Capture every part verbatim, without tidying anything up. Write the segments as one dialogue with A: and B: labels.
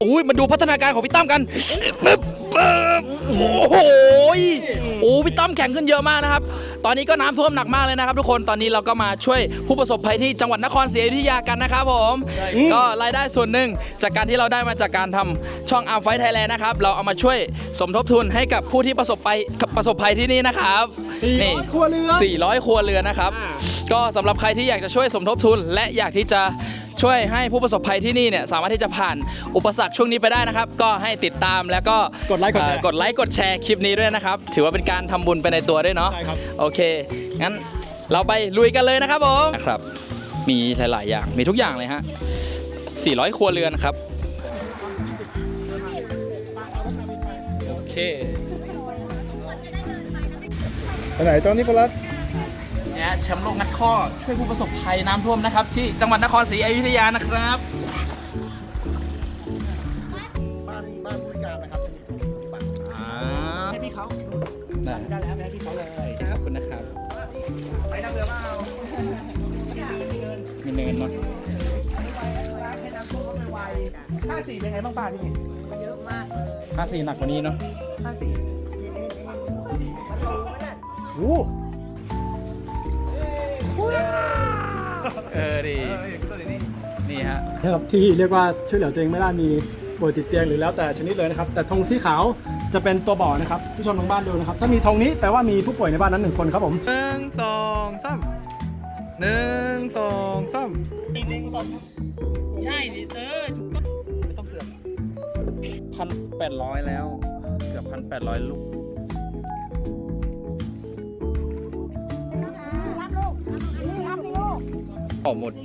A: อุ้ยมาดูพัฒนาการของพี่ตั้มกันปึ๊บปึ๊บโอ้โหโอ้พี่ตั้มแข็งขึ้นเยอะมากนะครับตอนนี้ก็น้ำท่วมหนักมากเลยนะครับทุกคนตอนนี้เราก็มาช่วยผู้ประสบภัยที่จังหวัดนครศรีอยุธยากันนะครับผมก็รายได้ส่วนหนึ่งจากการที่เราได้มาจากการทำช่องอาร์มไฟท์ไทยแลนด์นะครับเราเอามาช่วยสมทบทุนให้กับผู้ที่ประสบภัยประสบภัยที่นี่นะครับนี่
B: ครัวเรือน
A: สี่ร้อยครัวเรือนนะครับก็สำหรับใครที่อยากจะช่วยสมทบทุนและอยากที่จะช่วยให้ผู้ประสบภัยที่นี่เนี่ยสามารถที่จะผ่านอุปสรรคช่วงนี้ไปได้นะครับก็ให้ติดตามแล้วก็
B: กดไลค์กดแชร์
A: กดไลค์กดแชร์คลิปนี้ด้วยนะครับถือว่าเป็นการทำบุญไปในตัวด้วยเนาะ
B: ใช่ครับ
A: โอเคงั้นเราไปลุยกันเลยนะครับผมนะครับมีหลายๆอย่างมีทุกอย่างเลยฮะสี่ร้อยครัวเรือนครับโอเค
B: ไปไหนตอนนี้พลัส
A: เนี่ยแชมป์โลกงัดข้อช่วยผู้ประสบภัยน้ำท่วมนะครับที่จังหวัดนครศรีอยุธยานะครับ
B: บ้านบ้านผู้พิการนะครับ
A: ให้พี่เขาได้
B: ได้แล้วให้พี่เขาเลย
A: ขอบคุณนะครับ
B: ไปนั่งเรือเปล่า
A: มีเนินเนาะ
B: ให้น้ำท่วมไวห้าสี่เป็นไงบ้างป้าที่นี่
C: เยอะมากเลย
A: ห้าสี่หนักกว่านี้เนาะ
B: ห้าสี่
C: ประตูนั่น
B: โอ้
A: เออดีนี่ฮะ
B: นะครับที่เรียกว่าช่วยเหลือตัวเองไม่ได้มีป่วยติดเตียงหรือแล้วแต่ชนิดเลยนะครับแต่ธงสีขาวจะเป็นตัวบอกนะครับผู้ชมทางบ้านดูนะครับถ้ามีธงนี้แปลว่ามีผู้ป่วยในบ้านนั้นหนึ่งคนครับผม
D: หนึ่งสองสามหนึ่งสองสาม
A: ใช่ดิเออถูกต้องไม่ต้องเสือกพันแปดร้อยแล้วเกือบพันแปดร้อยลูกออกหมด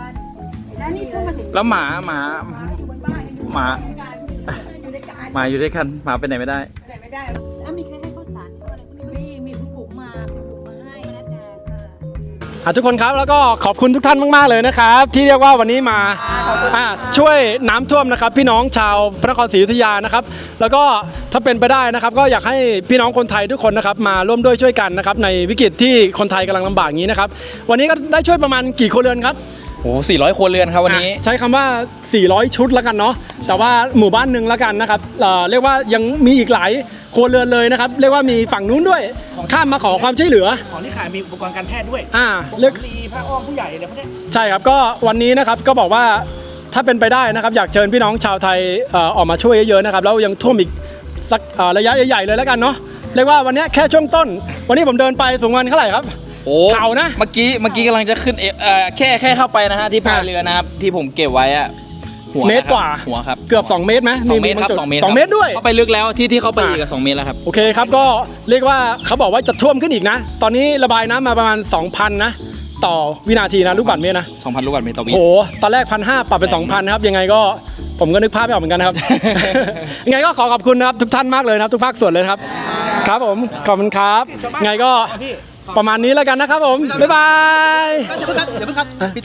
A: แล้วหมาหมาหมาหมาอยู่ด้วยกันหมาไปไหนไม่ได้
C: แล้วมีใครให้ข้าวสารเขาอะไรพวกนี้มีผู้ปลูกมาผู้ปลูกมาให้พนักงาน
B: ค่ะทุกคนครับแล้วก็ขอบคุณทุกท่านมากๆเลยนะครับที่เรียกว่าวันนี้มาช่วยน้ำท่วมนะครับพี่น้องชาวพระนครศรีอยุธยานะครับแล้วก็ถ้าเป็นไปได้นะครับก็อยากให้พี่น้องคนไทยทุกคนนะครับมาร่วมด้วยช่วยกันนะครับในวิกฤตที่คนไทยกำลังลำบากอย่างนี้นะครับวันนี้ก็ได้ช่วยประมาณกี่ครัวเรือนครับ
A: โอ้สี่ร้อยครัวเรือนครับวันนี้
B: ใช้คำว่าสี่ร้อยชุดแล้วกันเนาะแต่ว่าหมู่บ้านหนึ่งแล้วกันนะครับเอ่อเรียกว่ายังมีอีกหลายครัวเรือนเลยนะครับเรียกว่ามีฝั่งนู้นด้วยข้ามมาขอความช่วยเหลือ
E: ของที่ขายมีอุปกรณ์การแพทย์ด้วย
B: อ่าเรียก
E: มีผ้าอ้อมผู้ใหญ่อะไรพวกนี้
B: ใช่ครับก็วันนี้นะครับก็บอกว่าถ้าเป็นไปได้นะครับอยากเชิญพี่น้องชาวไทยเอ่อออกมาช่วยเยอะๆนะครับแล้วยังท่วมอีกสักระยะใหญ่ๆเลยแล้วกันเนาะเรียกว่าวันนี้แค่ช่วงต้นวันนี้ผมเดินไปสูงวันเท่าไหร่ครับ
A: โอ้เข่านะเมื่อกี้เมื่อกี้กำลังจะขึ้นเออแค่แค่เข้าไปนะฮะที่พายเรือนะครับที่ผมเก็บไว้อะ
B: หัวเมตรกว่า
A: หัวครับ
B: เกือบสองเมตรไหม
A: สองเมตรครับสองเมตร
B: สองเมตรด้วย
A: เข้าไปลึกแล้วที่ที่เข้าไปอีกกับสองเมตรแล้วครับ
B: โอเคครับก็เรียกว่าเขาบอกว่าจะท่วมขึ้นอีกนะตอนนี้ระบายน้ำมาประมาณ สองพัน นะต่อวินาทีนะลูกบาศก์เมตรนะ
A: สองพัน ลูกบาศก์เมตรต่อวิ
B: โหตอนแรก หนึ่งพันห้าร้อย ปรับเป็น สองพัน นะครับยังไงก็ผมก็นึกภาพไม่ออกเหมือนกันนะครับ ยังไงก็ขอขอบคุณนะครับทุกท่านมากเลยนะครับทุกภาคส่วนเลยครับครับผมขอบคุณครับไงก็ประมาณนี้แล้วกันนะครับผมบ๊ายบาย
E: เดี๋ยวเพิ่งคัดเดี๋ยวเพิ่งคัด